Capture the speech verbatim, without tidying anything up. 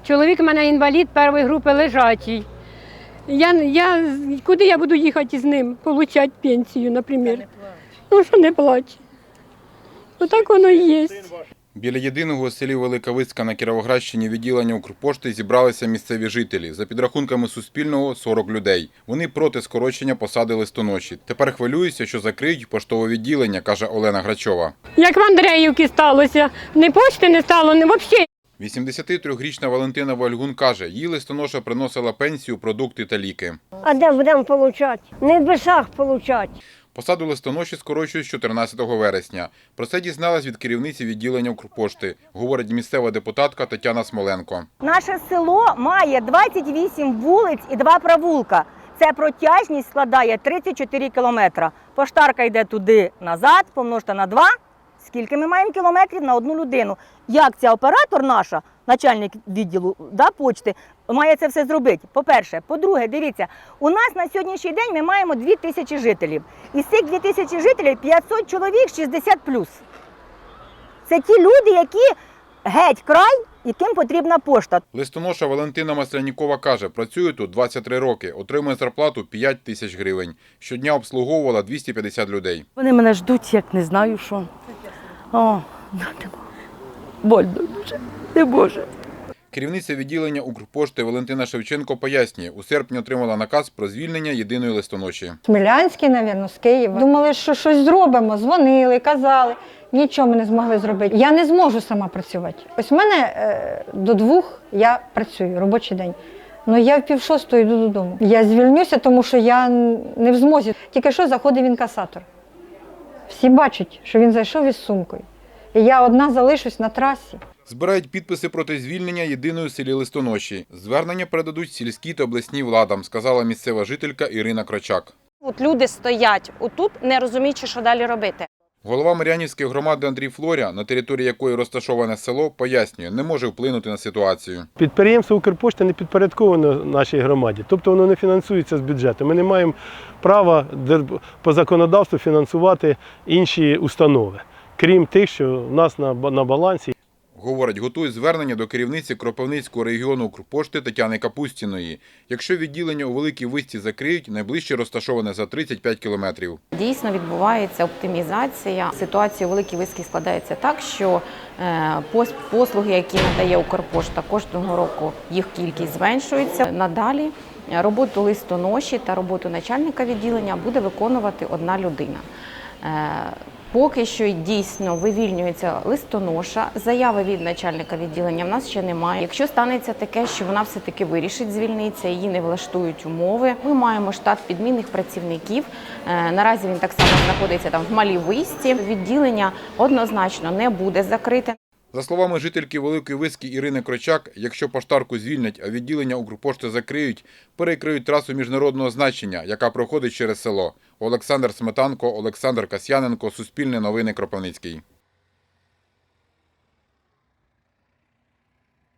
Чоловік у мене інвалід першої групи лежачий. Я, я, куди я буду їхати з ним, отримати пенсію, наприклад? Ну, що не плаче. Отак воно і є. Біля єдиного у селі Велика Виска на Кіровоградщині відділення Укрпошти зібралися місцеві жителі. За підрахунками Суспільного – сорок людей. Вони проти скорочення посади листоноші. Тепер хвилюються, що закриють поштове відділення, каже Олена Грачова. Як в Андріївці сталося, ні пошти не стало, ні взагалі. вісімдесятитрирічна Валентина Вальгун каже, їй листоноша приносила пенсію, продукти та ліки. А де будемо отримати? Не в бесах отримати. Посаду листоноші скорочують з чотирнадцятого вересня. Про це дізналась від керівниці відділення Укрпошти, говорить місцева депутатка Тетяна Смоленко. Наше село має двадцять вісім вулиць і два провулка. Це протяжність складає тридцять чотири кілометри. Поштарка йде туди-назад, помножте на два. Скільки ми маємо кілометрів на одну людину? Як ця оператор наша, начальник відділу да, почти, має це все зробити? По-перше. По-друге, дивіться, у нас на сьогоднішній день ми маємо дві тисячі жителів. Із цих двох тисяч жителів п'ятсот чоловік шістдесят плюс. Це ті люди, які геть край, яким потрібна пошта. Листоноша Валентина Маслянікова каже, працює тут двадцять три роки, отримує зарплату п'ять тисяч гривень. Щодня обслуговувала двісті п'ятдесят людей. Вони мене ждуть, як не знаю що. О, больно дуже, не може. Керівниця відділення Укрпошти Валентина Шевченко пояснює, у серпні отримала наказ про звільнення єдиної листоноші. Смілянський, мабуть, з Києва. Думали, що щось зробимо, дзвонили, казали. Нічого ми не змогли зробити. Я не зможу сама працювати. Ось в мене е, до двох я працюю, робочий день. Ну я в пів шостої йду додому. Я звільнюся, тому що я не в змозі. Тільки що заходив інкасатор. Всі бачать, що він зайшов із сумкою. І я одна залишусь на трасі. Збирають підписи проти звільнення єдиної у селі листоноші. Звернення передадуть сільській та обласній владам, сказала місцева жителька Ірина Крочак. От люди стоять отут, не розуміючи, що далі робити. Голова Мар'янівської громади Андрій Флоря, на території якої розташоване село, пояснює, не може вплинути на ситуацію. Підприємство Укрпошти не підпорядковано нашій громаді, тобто воно не фінансується з бюджету. Ми не маємо права по законодавству фінансувати інші установи, крім тих, що в нас на балансі. Говорить, готують звернення до керівниці Кропивницького регіону Укрпошти Тетяни Капустіної. Якщо відділення у Великій Висці закриють, найближче розташоване за тридцять п'ять кілометрів. Дійсно відбувається оптимізація. Ситуація у Великій Висці складається так, що послуги, які надає Укрпошта, кожного року їх кількість зменшується. Надалі роботу листоноші та роботу начальника відділення буде виконувати одна людина. Поки що дійсно вивільнюється листоноша, заяви від начальника відділення в нас ще немає. Якщо станеться таке, що вона все-таки вирішить звільнитися, її не влаштують умови, ми маємо штат підмінних працівників. Наразі він так само знаходиться там в Малій Висці. Відділення однозначно не буде закрите. За словами жительки Великої Виски Ірини Крочак, якщо поштарку звільнять, а відділення Укрпошти закриють, перекриють трасу міжнародного значення, яка проходить через село. Олександр Сметанко, Олександр Касьяненко, Суспільне новини, Кропивницький.